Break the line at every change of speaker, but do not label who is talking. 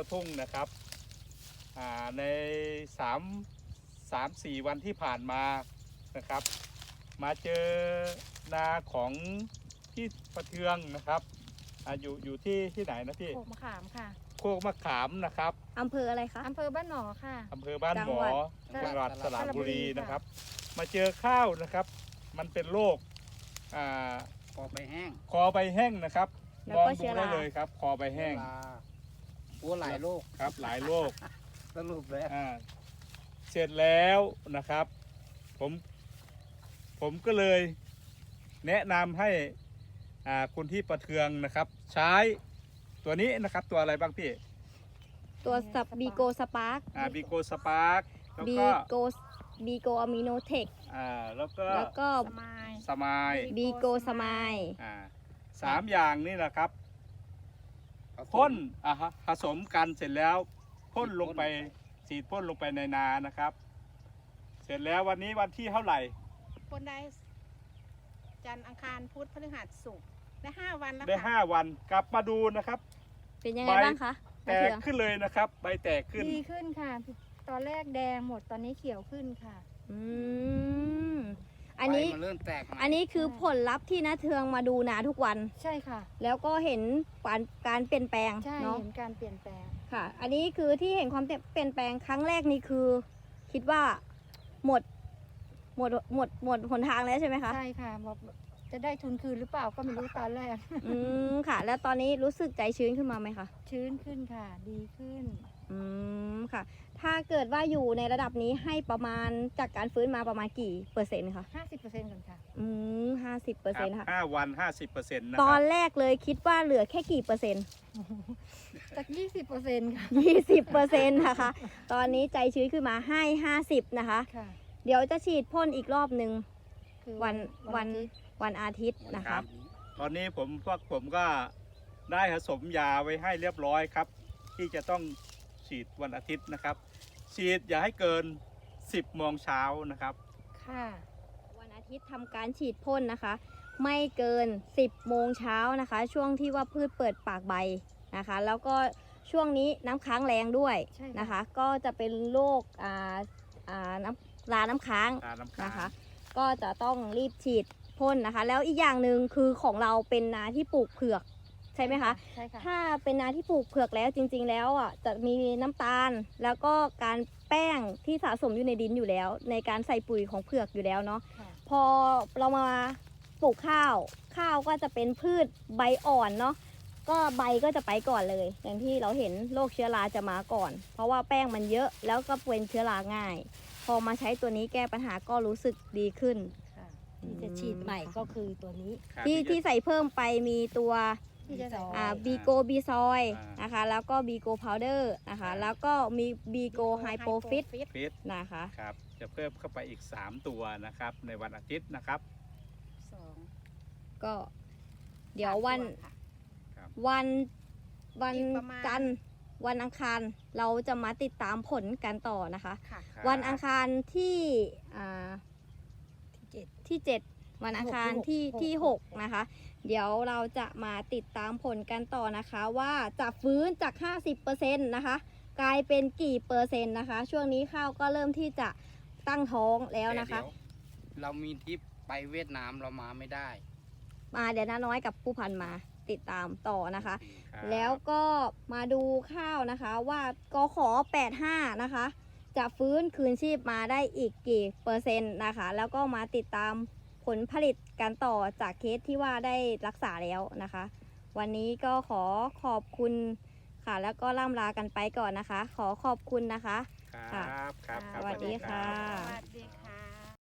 ทุ่งนะครับใน3-4 วันที่ผ่านมานะครับมาเจอนาของพี่ประเทืองนะครับอยู่ที่ไหนนะพี่
โขกมะขามค่ะ
โคกมะขามนะครับ
อำเภออะไรคะ
อำเภอบ้านหมอค่ะ
อำเภอบ้านหมอ
จังหวัด
จังหวัดสระบุรี
ค่ะ
นะครับ มาเจอข้าวนะครับ มันเป็นโรค
คอใบแห้ง
คอใบแห้งนะครับ
แล้ว
มอง
ก็
ดู
เชื้อ
ได้
รา
เลยครับ คอใบแห้ง
โอ้หลายโรค
ครับหลายโรค
สรุปแล้ว
เสร็จแล้วนะครับ ผมก็เลยแนะนำให้คุณที่ประเทืองนะครับ ใช้ตัวนี้นะครับ ตัวอะไรบ้างพี่
ตัวสับบีโกสปาร์ก
บีโกสปาร์กแล้ว
บี
ก็
โกบีโกอะมิโนเทค
แล้วก็
แล้วก็
สมาย
สมาย
บีโกสมาย
3 อย่างนี่นะครับพ่นผสมกันเสร็จแล้วพ่นลงไปฉีดพ่นลงไปในนานะครับ เสร็จแล้ววันนี้วันที่เท่าไหร่
คนได้จันทร์อังคารพุธพฤหัสศุกร์ได้5 วันแล้ว
ได้
ค่ะ
5 วันกลับมาดูนะครับ
เป็นยังไงบ้างคะ
แต
มะเทื
ก
อง
ขึ้นเลยนะครับ ใบแตกขึ้น
ดีขึ้นค่ะ ตอนแรกแดงหมดตอนนี้เขียวขึ้นค่ะ
อืมอันนี้
ใบมันเริ่มแตกใหม่
อันนี้คือผลลัพธ์ที่นาเทืองมาดูนาทุกวัน
ใช่ค่ะ
แล้วก็เห็นการเปลี่ยนแปลง
ใช่
เนาะ
เห็นการเปลี่ยนแปลง
ค่ะ อันนี้คือที่เห็นความเปลี่ยนแปลงครั้งแรกนี่คือ คิดว่าหมดหนทางแล้วใช่ไหมคะ
ใช่ค่ะบอกจะได้ทุนคืนหรือเปล่าก็ไม่รู้ตอนแรก
อืมค่ะ แล้วตอนนี้รู้สึกใจชื้นขึ้นมาไหมคะ
ชื้นขึ้นค่ะ ดีขึ้น
อืมค่ะ ถ้าเกิดว่าอยู่ในระดับนี้ให้ประมาณจากการฟื้นมาประมาณกี่เปอร์เซ็นต์คะ
50%ก่อนค่ะ
อืม50%ค่ะ
5 วัน 50%นะ
ต
ค
อ
รั
น
บ
แรกเลยคิดว่าเหลือแค่กี่เปอร์เซ็นต์
จาก20%ค่ะ
20%นะคะ ตอนนี้ใจชื้นขึ้นมาให้50นะคะ
ค่ะ
เดี๋ยวจะฉีดพ่นอีกรอบหนึ่ง
คือ
วันอาทิตย์นะคะ
ตอนนี้ผมก็ได้ผสมยาไว้ให้เรียบร้อยครับ ที่จะต้องฉีดวันอาทิตย์นะครับ ฉีดอย่าให้เกิน 10 โมงเช้านะครับ
ค่ะ
วันอาทิตย์ทำการฉีดพ่นนะคะ ไม่เกิน 10 โมงเช้านะคะ ช่วงที่ว่าพืชเปิดปากใบนะคะ แล้วก็ช่วงนี้น้ำค้างแรงด้วย
ใช่ค่ะ
นะคะ ก็จะเป็นโรคราน้ำค้าง
น้ำค้าง
นะคะ ก็จะต้องรีบฉีดพ่นนะคะ แล้วอีกอย่างหนึ่งคือของเราเป็นนาที่ปลูกเผือกใช่ไหมคะ
ใช่ค่ะ
ถ้าเป็นนาที่ปลูกเผือกแล้วจริงๆแล้วอ่ะจะมีน้ำตาล แล้วก็การแป้งที่สะสมอยู่ในดินอยู่แล้ว ในการใส่ปุ๋ยของเผือกอยู่แล้วเนาะ
ค่ะ
พอเรามาปลูกข้าวก็จะเป็นพืชใบอ่อนเนาะก็ใบก็จะไปก่อนเลย อย่างที่เราเห็นโรคเชื้อราจะมาก่อน เพราะว่าแป้งมันเยอะแล้วก็เป็นเชื้อราง่าย พอมาใช้ตัวนี้แก้ปัญหาก็รู้สึกดีขึ้น
ค่ะ
ที่จะฉีดใหม่ก็คือตัวนี้
ครับ
ที่ใส่เพิ่มไปมีตัว
ที่จะใส่
บีโกบีซอย
อ่าน
นะคะ แล้วก็บีโกพาวเดอร์นะคะ แล้วก็มีบีโกไฮโปฟิต
ฟิต
นะคะ
ครับ จะเพิ่มเข้าไปอีก 3 ตัวนะครับ ในวันอาทิตย์นะครับ
2
ก็เดี๋ยววัน
ค่ะ
วัน
อีกประมาณ
จันทร์วันอังคารเราจะมาติดตามผลกันต่อนะคะ
ค่ะ
ครับ
วันอังคารที่
ที่
7วันอังคาร
ที่
ที่
หก
6นะคะ เดี๋ยวเราจะมาติดตามผลกันต่อนะคะ ว่าจะฟื้นจาก 50%นะคะ กลายเป็นกี่เปอร์เซ็นต์นะคะ ช่วงนี้ข้าวก็เริ่มที่จะตั้งท้องแล้วนะคะ
แต่เดี๋ยวเรามีทริปไปเวียดนามเรามาไม่ได้
มาเดี๋ยวน้าน้อยกับผู้พันมาติดตามต่อนะคะ
ครับ
แล้วก็มาดูข้าวนะคะว่ากขอ85นะคะ จะฟื้นคืนชีพมาได้อีกกี่เปอร์เซ็นต์นะคะ แล้วก็มาติดตามผลผลิตกันต่อจากเคสที่ว่าได้รักษาแล้วนะคะ วันนี้ก็ขอขอบคุณค่ะ แล้วก็ล่ำลากันไปก่อนนะคะ ขอขอบคุณนะคะ
ครับครับครับ
สวัสดีค่ะ
สวัสดีค่ะ